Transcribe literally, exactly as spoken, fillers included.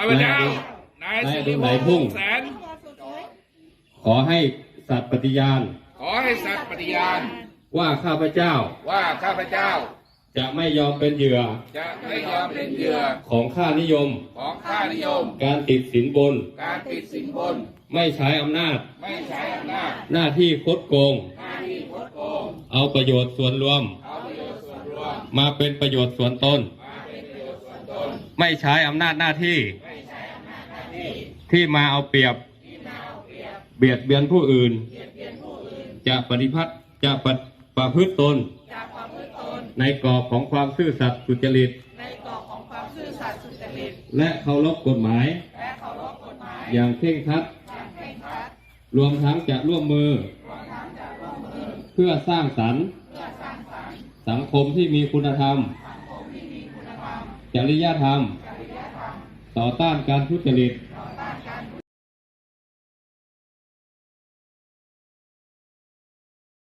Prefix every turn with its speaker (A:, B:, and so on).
A: พเจ้านายสุริพงษ์พุ่งแสน
B: ขอให้สัตย์ปฏิญาณ
A: ขอให้สัตย์ปฏิญาณ
B: ว่าข้าพเจ้า
A: ว่าข้าพเจ้า
B: จะไม่ยอมเป็นเหยื่อ
A: จะไม่ยอมเป็นเหยื่อ
B: ของข้านิยม
A: ของข้านิยม
B: การติดสินบน
A: การติดสินบน
B: ไม่ใช้อำนาจ
A: ไม่ใช้อำนาจ
B: หน้าที่คดโกง
A: หน้าที่คดโกง
B: เอาประโยชน์ส่วนรวม
A: เอาประโยชน์ส่วนรวม
B: มาเป็นประโยชน์ส่วนตน
A: มาเป็นประโยชน์ส่วนตน
B: ไม่ใช้อำนาจหน้าที่
A: ไม่ใช้อำนาจหน้าที่
B: ที่มาเอาเปรียบ
A: ที่มาเอาเปรียบ
B: เบียดเบียนผู้อื่น
A: เบียดเบียนผู้อื่น
B: จะปฏิพัติจะปฏิประพฤติตนในกรอบของความซื่อสัตย์สุจริต
A: ในกรอบของความซื่อสัตย์สุจริต
B: และเคารพกฎหมาย
A: และเคารพกฎหมาย
B: อย่างเคร่งครัด
A: อย่างเคร่งครัด
B: รวมทั้งจะร่วมมือ
A: รวมทั้งจะร่วมมือ
B: เพื่อสร้างสรรค์
A: เพื่อสร้างสรรค์
B: สังคมที่มีคุณธรรม
A: สังคมที่มีคุณธรรม
B: จริยธรรม
A: จริยธรรม
B: ต่อต้านการทุจริต
A: ต